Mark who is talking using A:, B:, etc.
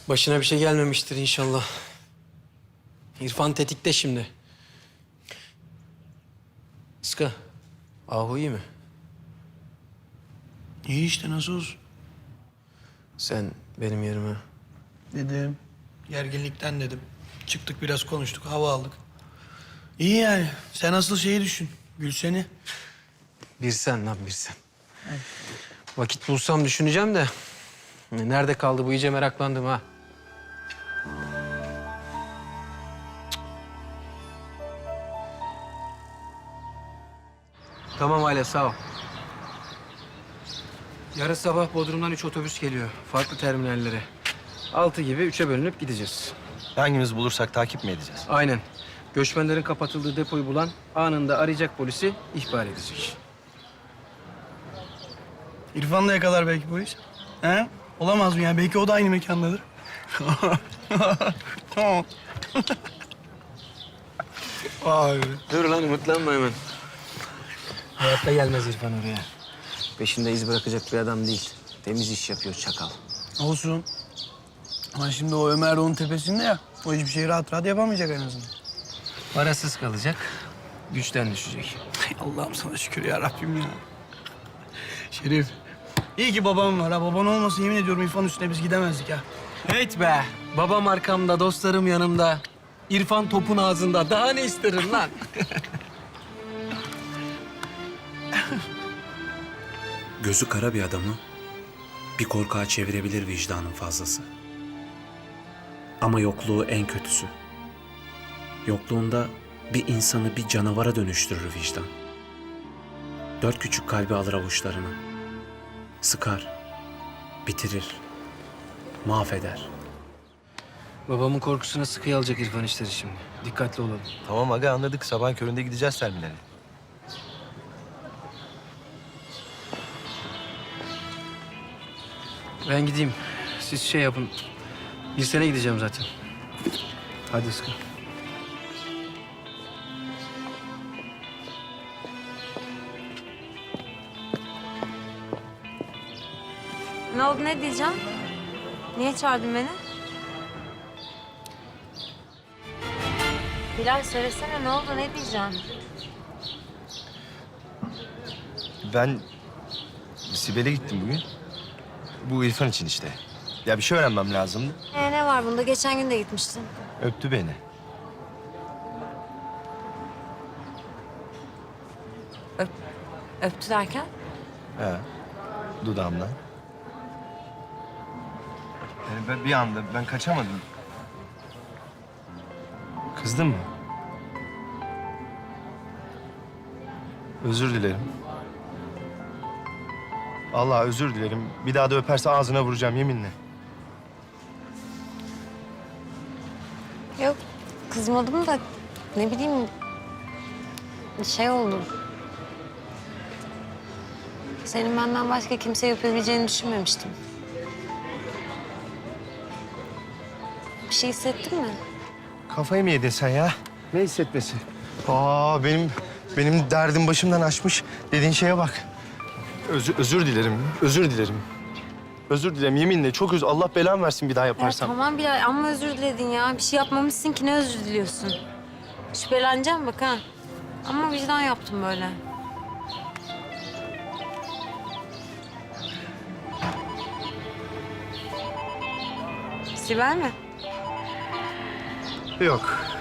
A: Başına bir şey gelmemiştir inşallah. İrfan tetikte şimdi. Iska, Ahu iyi mi?
B: İyi işte, nasıl olsun?
A: Sen benim yerime.
B: Dedim. Gerginlikten dedim. Çıktık biraz konuştuk, hava aldık. İyi yani. Sen asıl şeyi düşün. Gülsen'i.
A: Bir sen lan bir sen. Vakit bulsam düşüneceğim de. Nerede kaldı bu, iyice meraklandım ha. Tamam aile, sağ ol. Yarın sabah Bodrum'dan 3 otobüs geliyor. Farklı terminallere. 6 gibi 3'e bölünüp gideceğiz.
C: Hangimiz bulursak takip mi edeceğiz?
A: Aynen. Göçmenlerin kapatıldığı depoyu bulan anında arayacak, polisi ihbar edecek.
B: İrfan da yakalar belki polis. He? Olamaz mı ya? Belki o da aynı mekandadır. Tamam. Vay be.
A: Dur lan, umutlanma hemen. Hayatta gelmez İrfan oraya. Peşinde iz bırakacak bir adam değil. Temiz iş yapıyor çakal.
B: Olsun. Ama şimdi o Ömer onun tepesinde ya. O hiçbir şeyi rahat rahat yapamayacak en azından.
A: Parasız kalacak, güçten düşecek.
B: Allah'ım sana şükür ya Rabbim ya. Şerif. İyi ki babam var ha. Baban olmasa yemin ediyorum İrfan üstüne biz gidemezdik ha.
A: Evet be, babam arkamda, dostlarım yanımda. İrfan topun ağzında. Daha ne isterim lan?
D: Gözü kara bir adamı bir korkağa çevirebilir vicdanın fazlası. Ama yokluğu en kötüsü. Yokluğunda bir insanı bir canavara dönüştürür vicdan. 4 küçük kalbi alır avuçlarına. Sıkar, bitirir, mahveder.
A: Babamın korkusuna sıkıya alacak İrfan işleri şimdi. Dikkatli olalım.
C: Tamam aga, anladık. Sabahın köründe gideceğiz terminale.
A: Ben gideyim. Siz şey yapın. Bir sene gideceğim zaten. Hadi Iska.
E: Ne oldu, ne diyeceğim? Niye çağırdın beni? Bilal söylesene, ne oldu, ne diyeceğim?
C: Ben Sibel'e gittim bugün. Bu İrfan için işte. Ya bir şey öğrenmem lazımdı.
E: Ne var bunda? Geçen gün de gitmiştin.
C: Öptü beni.
E: Öptü derken?
C: He. Dudağımdan. Yani ben bir anda ben kaçamadım. Kızdın mı? Özür dilerim. Allah özür dilerim. Bir daha da öperse ağzına vuracağım yeminle.
E: Yok, kızmadım da ne bileyim şey oldu. Senin benden başka kimse yapabileceğini düşünmemiştim. Bir şey hissettin mi?
C: Kafayı mı yedin sen ya? Ne hissetmesi? Benim derdim başımdan aşmış. Dediğin şeye bak. Özür dilerim. Özür dilerim. Özür dilerim yeminle. Çok Allah belamı versin bir daha
E: Ya
C: yaparsam.
E: tamam Bilal, amma özür diledin ya. Bir şey yapmamışsın ki, ne özür diliyorsun? Şüpheleneceğim bak ha. Ama vicdan yaptım böyle. Sibel mi?
C: Yok.